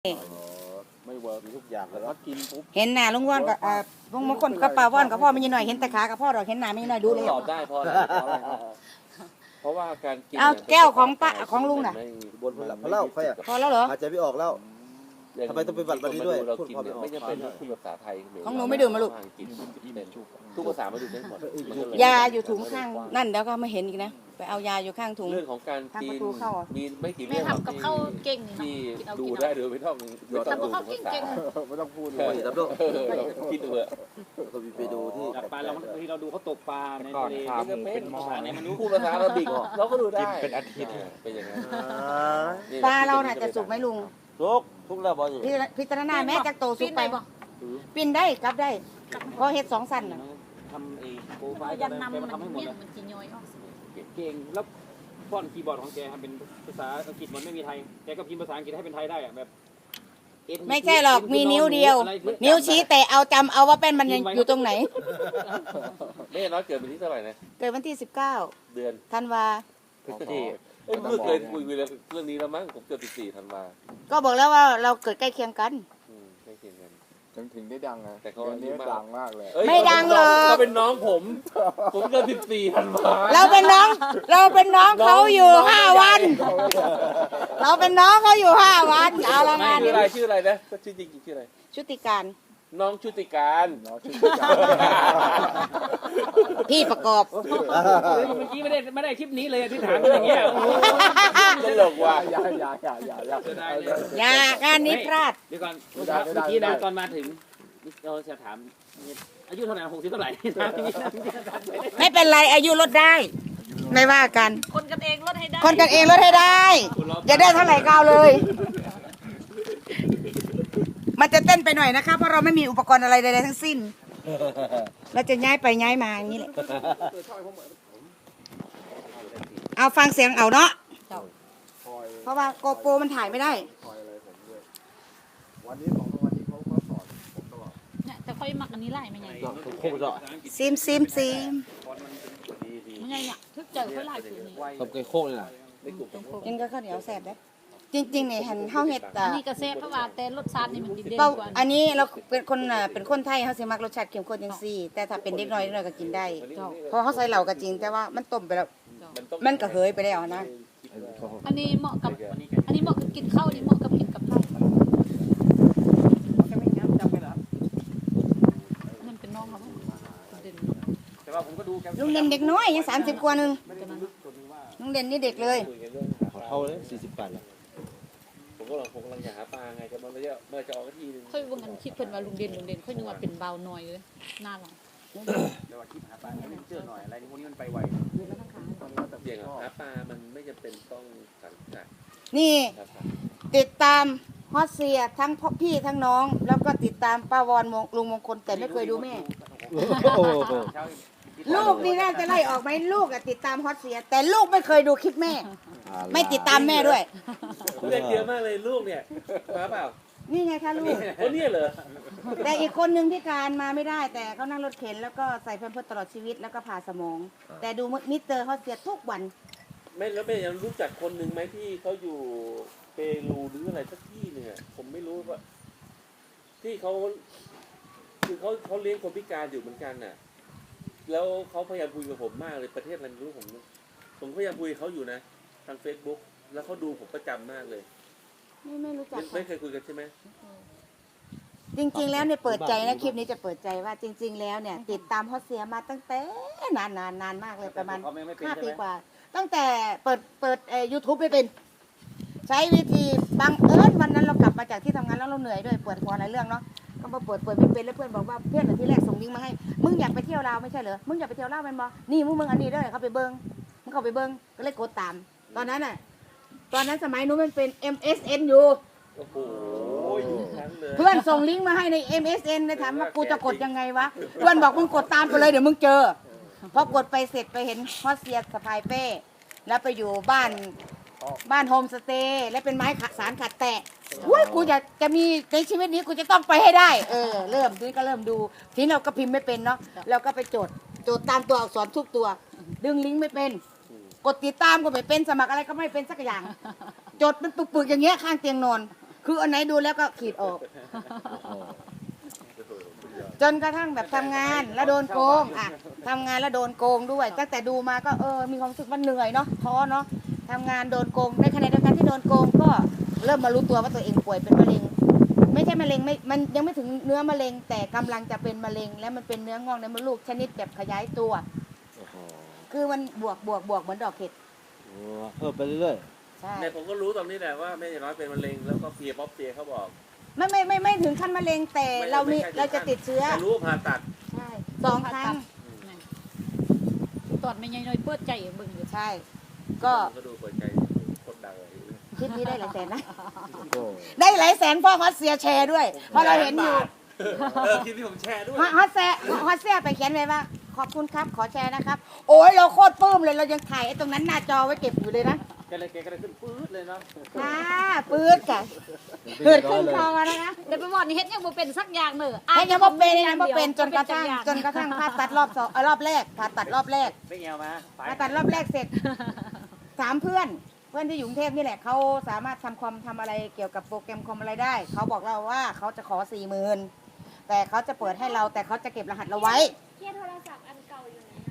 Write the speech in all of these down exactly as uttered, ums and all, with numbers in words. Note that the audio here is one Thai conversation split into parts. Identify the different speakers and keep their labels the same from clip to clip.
Speaker 1: ไม่เวิร์กทุกอย่างแล้วกินปุ๊บ
Speaker 2: เห็นหน้าลุงว่อนกับอ่าลุงมงคลกับป้าว่อนกับพ่อไม่ยี่หน่อยเห็นแต่ขากับพ่อเราเห็นหน้าไม่ยี่หน่อยดูเลย
Speaker 3: ตอบได้พอแล้วเพราะว่าการกิน
Speaker 2: เอาแก้วของป้าของลุงน่ะ
Speaker 1: บนพลังพเล่าใครอ่ะ
Speaker 2: พอแล้วเหรอ
Speaker 1: หายใจไม่ออกแล้วทำไมต้องไปบัตรวันนี้ด้วย
Speaker 3: เรากินเนี่ยไม่จำเป็นต้องพูดภาษาไทย
Speaker 2: ของหนูไม่ดื่มมาลูก
Speaker 3: กินเป็นทุกภาษามาดื่มได้หมด
Speaker 2: ยาอยู่ถุงข้างนั่นเดี๋ยวก็ไม่เห็นอีกนะไปเอายาอยู่ข้างถุง
Speaker 3: เรื่องของการกินมีไม่กี่
Speaker 4: แม่
Speaker 3: เรื่อง
Speaker 4: ทำกับข้าวเก่งนี่
Speaker 3: ที่
Speaker 4: กินเอา
Speaker 3: ดู
Speaker 4: กิน
Speaker 3: ได้
Speaker 4: เอา
Speaker 3: โดยไม่ต้องไม่ต้อง
Speaker 4: ทำกับข้าว
Speaker 3: ดู
Speaker 4: เก่ง
Speaker 3: ภาษา
Speaker 4: ๆ
Speaker 1: ไม่ต้องพูด
Speaker 3: เอ
Speaker 1: เลยดับโล
Speaker 3: อคิดดูเถอะ
Speaker 1: ก็มีไปดูที่
Speaker 5: จับปลาเราบางทีเราดูเขาตกปลาใน
Speaker 6: ก่อน
Speaker 5: ทะเล
Speaker 6: ขาหมูเป็นหม้อ
Speaker 5: ภาษาไหนมันรู้
Speaker 3: พูดภาษาอาหรับิกเราก็ดูได้
Speaker 6: กินเป็นอาทิตย์
Speaker 3: เป็นอย่างนั้น
Speaker 2: ปลาเราน่ะจะสุกไหมลุง
Speaker 1: ทุกทุกแล้วบอล
Speaker 2: พิพิจารณาแม้จากโตสุ
Speaker 4: ปิ้
Speaker 2: ก
Speaker 4: น
Speaker 2: ไป
Speaker 4: ไปบ่
Speaker 2: ปิ้นได้กลับได้เพราะเฮ็ดสองสั้นน่ะ
Speaker 5: ทำไอ้โปรไฟล์
Speaker 4: ยั
Speaker 5: กัน น
Speaker 4: นำ
Speaker 5: แก
Speaker 4: มั
Speaker 5: มาน ทำให้หมด
Speaker 4: เนี่ย
Speaker 5: เลย
Speaker 4: มันกินย่อยออก
Speaker 5: เก่งแล้วฟอนต์คีย์บอร์ดของแกทำเป็นภาษาอังกฤษมันไม่มีไทยแกก็พิมพ์ภาษาอังกฤษให้เป็นไทยได้อะแบบ
Speaker 2: ไม่ใช่หรอกมีนิ้วเดียว นิ้วชี้แต่เอาจำเอาว่าเป็นมันยังอยู่ตรงไหน
Speaker 3: แม่น้อยเกิดวันที่เท่าไหร่นะ
Speaker 2: เกิดวันที่สิบเก้า
Speaker 3: เดือน
Speaker 2: ธันวา
Speaker 3: พฤศจิกายนเอ้ยเมื่อเคยคุยเรื่องนี้แล้วมั้งผมเกิดสิบสี่ธันวา
Speaker 2: ก็บอกแล้วว่าเราเกิดใกล้เคียงกัน
Speaker 3: อืมใกล้เคียงกัน
Speaker 6: ถึงถึงได้ดังนะ
Speaker 3: แต่เขา
Speaker 6: เดี๋ยวนี้ดังมากเลย
Speaker 3: เอ้ย
Speaker 2: ไม่ดังหรอก
Speaker 3: เขาเป็นน้องผม ผมเกิดสิบสี่ธันวา
Speaker 2: เราเป็นน้อง เราเป็นน้องเขาอยู่ห้าวัน เราเป็นน้องเขาอยู่ห้าวันเอาละงาน
Speaker 3: ชื่อ
Speaker 2: นี้
Speaker 3: อะไรชื่ออะไรนะชื่อจริงๆชื่ออะไร
Speaker 2: ชุติการ
Speaker 3: น้องชุติการ
Speaker 6: น้องชื่อ
Speaker 2: พี่ประกอบ
Speaker 5: เมื่อกี้ไม่ได้ไม่ได้คลิปนี้เลยที่ถามอย่างเงี้ย
Speaker 3: ตลกว่ะ
Speaker 6: อย่าอย่าอย่าอย่าอย่า
Speaker 5: จะได้เลย
Speaker 2: อย่างานนี้พลาด
Speaker 5: เดี๋ยวก่อนเมื่อกี้นะตอนมาถึงเราจะถามอายุเท่าไหร่หกสิบเท่าไหร่
Speaker 2: ไม่เป็นไรอายุลดได้ ไม่ว่ากัน
Speaker 4: คนกันเองลดให้ได้
Speaker 2: คนกันเองลดให้ได้ จะได้เท่าไหร่ก็เอาเลย มันจะเต้นไปหน่อยนะคะเพราะเราไม่มีอุปกรณ์อะไรใดๆทั้งสิ้น เราจะย้ายไปย้ายมาอย่างนี้แหละเอาฟังเสียงเอาเนาะเพราะว่าโกโปรมันถ่ายไม่ได้
Speaker 1: วันนี้ของวันนี้เขาเขาสอนผมตลอด
Speaker 4: เนี่ยแต่ค่อยมักอันนี้ไล่ไม่ไง
Speaker 1: โคตร
Speaker 2: ซิมซิมซิม
Speaker 4: ไม่ไงเนี่ยทึกเจอค่อยไล่คืนนี้
Speaker 1: ตบไก่โคกเลยนะ
Speaker 2: กินก็ข้าวเหนียวแซ่บได้จริงๆเนี่ยหันข้าวเห็ด
Speaker 4: อั
Speaker 2: อ่ะ
Speaker 4: นนี้กระเซ็เพราะว่าแต่รสชาตินี่มันดีเด่น
Speaker 2: ก็
Speaker 4: กว่า
Speaker 2: อันนี้เราเป็นคนอ่ะเป็นคนไทยเขาสิมักรสชาติเข้มข้นจังซี่ แต่ถ้าเป็นเด็กน้อยเด็กน้อยก็กินได้ เพราะเขาใส่เหล่าก็จริง แต่ว่ามันต้มไปแล้วมันก็เหยไปแล้วนะ
Speaker 4: อันนี้เหมาะกับอันนี้เหมาะกับกินข้าวอันนี้เหมาะกับกินกับไผ่มันเป็นน้องเขาเด่น
Speaker 5: แต่ว่าผมก็ดูแก
Speaker 2: ลุงเด่นเด็กน้อยยังสามสิบกว่านึงลุงเด่นนี่เด็กเลย
Speaker 3: คุยกันเรื่องหาปลา
Speaker 1: เขาเลยสี่สิบแปดแล้ว
Speaker 3: ผมก็ลองผมกำลังจะหาปลาไงจะมันไม่ได้เมื่อจะออกทีนึง
Speaker 4: ค่อยว่ามันคิดเพิ่นว่าลุงเด่นลุงเด่นค่อยนึกว่าเป็นเบาหน่อยเลยหน้าหลัง
Speaker 5: เดี๋ยวว่าคลิปหาปลาให้เจอหน่อยอะไรพวกนี้มันไปไว
Speaker 3: เสี่ยงหาปลามันไม่จำเป็นต้องสังกัด
Speaker 2: นี่
Speaker 3: ครับ
Speaker 2: ติดตามฮอตเซียทั้งพ่อพี่ทั้งน้อง แล้วก็ติดตามป้าวอนลุงมงคลแต่ไม่เคยดูแม่ ลูกนี่น่าจะไล่ออกไหมลูกอะติดตามฮอตเซีย แต่ลูกไม่เคยดูคลิปแม่ ไม่ติดตามแม่ด้วย
Speaker 3: เรียกเยอะมากเลยลูกเนี่ยมาเปล่า
Speaker 2: นี่ไงคะลูก
Speaker 3: คนนี้เหรอ
Speaker 2: แต่อีกคนนึงพิการมาไม่ได้ แต่เขานั่งรถเข็นแล้วก็ใส่แพมเพิร์สตลอดชีวิตแล้วก็ผ่าสมอง แต่ดูมิสเตอร์ฮอตเซียทุกวัน
Speaker 3: ไม่แล้วแม่ยังรู้จักคนหนึ่งไหมที่เขาอยู่เปรูหรืออะไรสักที่หนึ่งอ่ะผมไม่รู้ว่า ที่เขาคือเขาเขาเลี้ยงคนพิการอยู่เหมือนกันน่ะ แล้วเขาพยายามคุยกับผมมากเลยประเทศอะไรไม่รู้ผม ผมพยายามคุยกับเขาอยู่นะทางเฟซบุ๊กแล้วเขาดูผมประจำมากเลย
Speaker 2: ไม่ไม่รู้จัก
Speaker 3: ไม่ไม่เคยคุยกันใช่ไหม
Speaker 2: จริง ๆ แล้วเนี่ยเปิดใจนะคลิปนี้จะเปิดใจว่าจริง ๆ แล้วเนี่ย ติดตามฮอตเซียมาตั้งแต่นานนานนานมากเลยประมาณ
Speaker 5: เขาไม่ไม่เป็น
Speaker 2: ห้า
Speaker 5: ใช่
Speaker 2: ปี
Speaker 5: ไหม
Speaker 2: กว่า ตั้งแต่เปิดเปิดเอ่อยูทูบไม่เป็น ใช้วิธีบังเอิญวันนั้นเรากลับมาจากที่ทำงานแล้วเราเหนื่อยด้วยปวดหัวหลายเรื่องเนาะก็มาเปิดเปิดไม่เป็นแล้วเพื่อนบอกว่าเพื่อนที่แรกส่งลิงก์มาให้มึงอยากไปเที่ยวลาวไม่ใช่เหรอมึงอยากไปเที่ยวลาวเป็นบอนี่มึงมึงอันนี้เด้อเขาไปเบิ้งมึงเข้าไปเบิ้งก็เลยกดตาม ตอนนั้นน่ะตอนนั้นสมัยนู้นมันเป็น เอ็ม เอส เอ็น อยู่
Speaker 3: โอ้โหอยู่ทั้งเลย
Speaker 2: เพื่อนส่งลิงก์มาให้ใน เอ็ม เอส เอ็น เลยถามว่ากูจะกดยังไงวะเพื่อนบอกมึงกดตามไปเลยเดี๋ยวมึงเจอพอกดไปเสร็จไปเห็นฮอตเซียสะพายเป้แล้วไปอยู่บ้านบ้านโฮมสเตย์และเป็นไม้ขัดสารขัดแตะอุ้ยกูอยากจะมีในชีวิตนี้กูจะต้องไปให้ได้เออเริ่มทีนี้ก็เริ่มดูทีนี้เราก็พิมพ์ไม่เป็นเนาะเราก็ไปจดจดตามตัวอักษรทุกตัว ดึงลิงก์ไม่เป็น กดติดตามก็ไม่เป็นสมัครอะไรก็ไม่เป็นสักอย่าง จดมันปึกๆอย่างเงี้ยข้างเตียงนอนคืออันไหนดูแล้วก็ขีดออก จนกระทั่งแบบทำงานแล้วโดนโกงอ่ะทำงานแล้วโดนโกงด้วยตั้งแต่ดูมาก็เออมีความรู้สึกว่าเหนื่อยเนาะท้อเนาะทำงานโดนโกงในขณะเดียวกันที่โดนโกงก็เริ่มมารู้ตัวว่าตัวเองป่วยเป็นมะเร็งไม่ใช่มะเร็งไม่มันยังไม่ถึงเนื้อมะเร็งแต่กำลังจะเป็นมะเร็งแล้วมันเป็นเนื้องอกในมดลูกชนิดแบบขยายตัว
Speaker 1: โอ้โห
Speaker 2: คือมันบวกบวกบวกเหมือนดอกเห็ด
Speaker 1: โอ้เพิ่มไปเรื่อย
Speaker 2: ใช่
Speaker 3: เนี่ยผมก็รู้ตอนนี้แหละว่าแม่ยายน้อยเป็นมะเร็งแล้วก็เพียป๊อปเพียเขาบอก
Speaker 2: ไม่ไม่ไม่ไม่ถึงขั้นมะเร็งแต่
Speaker 3: ไม่
Speaker 2: เรามี
Speaker 3: ไม่ใช่
Speaker 2: เราจะติดเชื้อ
Speaker 3: แต่รู้ว่าผ่าตัด
Speaker 2: ใช่สองครั้ง
Speaker 4: ตอนไม่ใหญ่น้อยเปิดใจเบิ่งอยู่
Speaker 2: ใช่ ก็
Speaker 3: ก็ดูเปิดใจคนดังเลย
Speaker 2: คลิปนี้ได้หลายแสนนะ
Speaker 1: ๆโอ้
Speaker 2: ได้หลายแสนเพราะฮอตเซียแชร์ด้วยเพราะเราเห็นอยู่
Speaker 3: เออคลิปที่ผมแชร์ด้วย
Speaker 2: ฮอตฮอตเซียฮอตเซียไปเขียนไว้ว่าขอบคุณครับขอแชร์นะครับ โอ้ยเราโคตรปลื้มเลยเรายังถ่ายไอ้ตรงนั้นหน้าจอไว้เก็บอยู่เลยนะ
Speaker 5: แกเลยแกก็เลยขึ้นปื๊ดเลยเนาะ
Speaker 2: ค่ะปื๊ดค่ะเกิดขึ้นคอนะคะ
Speaker 4: เดี๋ยวไปบอกนี่เฮ็ดยังบ่เป็นสักอย่างเด้อ
Speaker 2: ไอ้ยังบ่เป็นยังบ่เป็นจนกระทั่งจนกระทั่งผ่าตัดรอบสองเอ่อรอบแรกผ่าตัดรอบแรก
Speaker 5: ไม่เงียวมาไป
Speaker 2: ผ่าตัดรอบแรกเสร็จสามเพื่อนเพื่อนที่อยู่กรุงเทพนี่แหละเขาสามารถทำคอมทำอะไรเกี่ยวกับโปรแกรมคอมอะไรได้เขาบอกเราว่าเขาจะขอสี่หมื่นแต่เขาจะเปิดให้เราแต่เขาจะเก็บรหัสเราไว้
Speaker 7: เครียดโทรศัพท์อันเก่าอยู่ไหน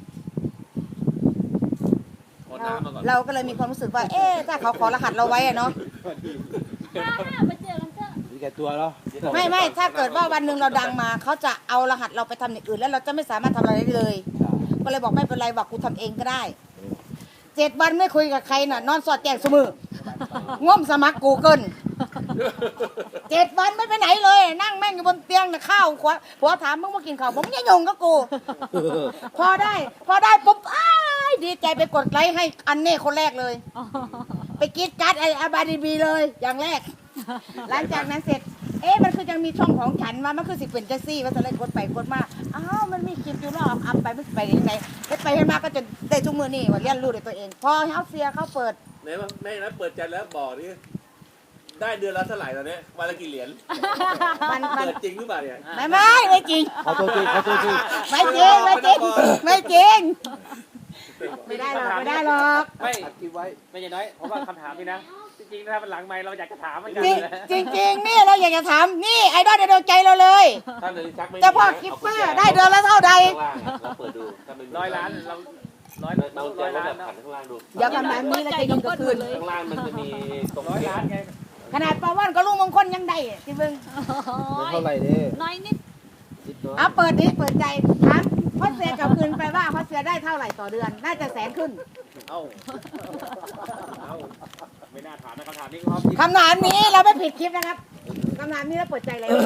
Speaker 7: อะ
Speaker 3: ขอ
Speaker 2: เรา
Speaker 3: น้ำมาก่อน
Speaker 2: เราก็เลยมีความรู้สึกว่า เอ๊ะถ้าเขาขอรหัสเราไว้อะเนาะ
Speaker 7: ห้าห้ามาเจอกันเถอะ
Speaker 1: มีแก่ตัวเนาะ
Speaker 2: ไม่ไม่ถ้าเกิดว่าวันหนึ่งเราดังมาเขาจะเอารหัสเราไปทำอย่างอื่น แล้วเราจะไม่สามารถทำอะไรได้เลย ก็เลยบอกไม่เป็นไรบอกกูทำเองก็ได้เจ็ดวันไม่คุยกับใครน่ะนอนสอดแจงสมือง่วมสมัครกูเกิลเจ็ดวันไม่ไปไหนเลย นั่งแม่งอยู่บนเตียงน่ะข้าวขวผัวถามมึงมากินข้าวผมยังยงกับกู พอได้ พอได้ปุ๊บอ้ายดีใจไปกดไลค์ให้อันเน่คนแรกเลย ไปกรีดการ์ดไอ้อาบาดีบีเลย อย่างแรก หลังจากนั้นเสร็จ เอ๊ะมันคือยังมีช่องของฉันว่ามันคือสิเป็นจังซี่ว่าจะเลยกดไปกดมาอ้าวมันมีคลิปอยู่รอบอัพไปมันสิไปยังไงไปไปให้มาก็จะได้ทุกมือนี่ว่าเรียนรู้ด้วยตัวเอง พอเฮาเซียเขาเปิด
Speaker 3: ไหนว่าแม่นะเปิดใจแล้วบอกนี่ได้เดือนละเท่าไหร่ตอนนี้วันละกี่เหรียญ
Speaker 2: มันมัน
Speaker 3: เปิดจริงหรือเปล่าเนี่ย
Speaker 2: ไม่ไม่ไม่จริง
Speaker 1: เขาตัวจริงเขาตัวจริง
Speaker 2: ไม่จริงไม่จริงไม่จริง ไม่ได้หรอกไม่ได้หรอก
Speaker 5: ไม่
Speaker 1: อัดคลิปไว้
Speaker 5: ไม่ใช่น้อยเพราะว่าคำถามนี่นะจริงๆถ้ามันหลังไมค์เราอยากจะถามเหมือนกัน
Speaker 2: จริงจริงๆนี่เราอยากจะถามนี่ไอดอลในดวงใจเราเลย
Speaker 3: ถ้าเลยชักไม่มี
Speaker 2: เจ้าพ่อคิปเปอร์ได้เดือนละเท่าใด
Speaker 3: ข้างล่างอะเราเปิดดูถ้าไม่มี
Speaker 5: ร้อยล้านเราร้อย
Speaker 3: เรา
Speaker 5: ร้
Speaker 3: จะ
Speaker 5: อย
Speaker 3: ว่า
Speaker 5: ล้าน
Speaker 3: แบบ
Speaker 5: เนาะ
Speaker 3: ขันข้างล่างดู
Speaker 2: อย่าคำถามนี้เราจะยิงกระคืน
Speaker 3: ข้างล่างมันจะมีตรง
Speaker 5: ร้อย
Speaker 3: นี้
Speaker 5: ล้านไง
Speaker 2: ขนาดปาว่านก็ลุงมงคลยังได้ที่เบิ่ง
Speaker 1: มันเท่าไหร่เด้
Speaker 4: น้อยนิด
Speaker 1: นิดน้อย
Speaker 2: เอาเปิดดิเปิดใจถามพ่อเสือกลับคืนไปว่าพ่อเสือได้เท่าไหร่ต่อเดือน น่าจะแสนขึ้น
Speaker 5: เอ้าเอ้าไม่น่าถามนะคำถามนี้ครับ
Speaker 2: คำถามนี้เราไม่ผิดคลิปนะครับคำถามนี้เราเปิดใจเลย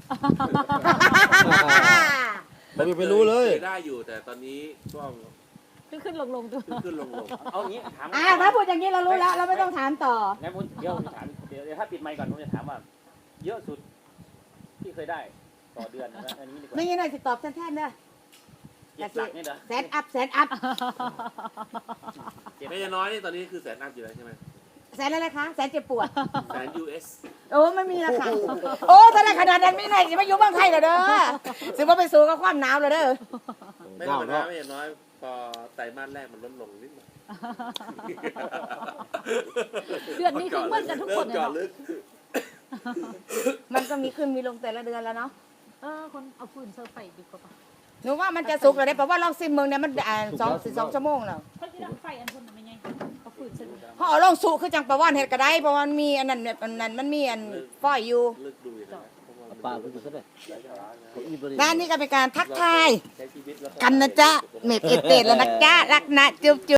Speaker 1: ไม่มีไปรู้เลย
Speaker 3: คได้อยู่แต่ตอนนี้ช่วง
Speaker 4: ขึ้นขึ้นลงลงตัว
Speaker 3: ขึ้นขึ้นลงลง
Speaker 5: เอางี้ถาม
Speaker 2: อ่าถ้าพูดอย่างนี้เรารู้แล้ว เราไม่ต้องถามต่อ
Speaker 5: งั้นผมเดี๋ยวผมจะถามเดี๋ยวเดี๋ยวถ้าปิดไมค์ก่อนผมจะถามว่า เยอะสุดที่เคยได้ต่อเดือนนะอันนี้ดีกว่า
Speaker 2: ไม่งี้หน่อยสิตอบแทนๆเด้อ
Speaker 5: เจ็ดหลักนี่เหรอ
Speaker 2: แสนอัพแสนอัพ
Speaker 3: ไม่ใช่น้อยนี่ตอนนี้คือแสนอัพอยู่แล้วใช่ไหม
Speaker 2: แสนอะไรคะแสนเจ็บปวด
Speaker 3: แสน ยู เอส
Speaker 2: โอ้ไม่มีราคาโอ้ถ้าได้ขนาดนั้นไม่ไหนจะมาอยู่เมืองไทยเหรอเด้อสิว่าไปสู่กับความหนาวเหรอเด้อ
Speaker 3: ไม่ธรรมดาไม่ใช่น้อยพอไตรมาสแรกมันลดลงนิดหน่อย
Speaker 4: เดือนนี้คือเหมือนกันทุกคน
Speaker 3: เริ่ม
Speaker 4: เลย
Speaker 3: เจาะ
Speaker 4: เนาะ
Speaker 3: ลึก
Speaker 2: มันก็มีขึ้นมีลงแต่ละเดือนแล้วเนาะ
Speaker 4: เออคนเอาฟืนเซอร์ไฟดีกว่าปะ
Speaker 2: หนูว่ามันจะสุกเลยได้เพราะว่าลองซิมเมืองเนี่ยมันอ่าสองสิบสองชั่วโมงแล้ว
Speaker 4: เขาจะดังไฟอันคนน่ะไม่ไงเอาฟืนเซอร์
Speaker 2: เพราะเอาลองสุคือจังประว่านเห็ดก็ได้เพราะมันมีอันนั้นอันนั้นมันมีอันฝ้อยอยู่
Speaker 3: ลึกดูอย่างนั้น
Speaker 1: เอาปลาไปดูซะเลยเขาอีบริ
Speaker 2: ด้านนี้ก็เป็นการทักทาย
Speaker 3: ใช้ชีวิตแล้ว
Speaker 2: กันนะจ๊ะเม็ดเอดเตดแล้วนะจ๊ะรักนะจุ๊บ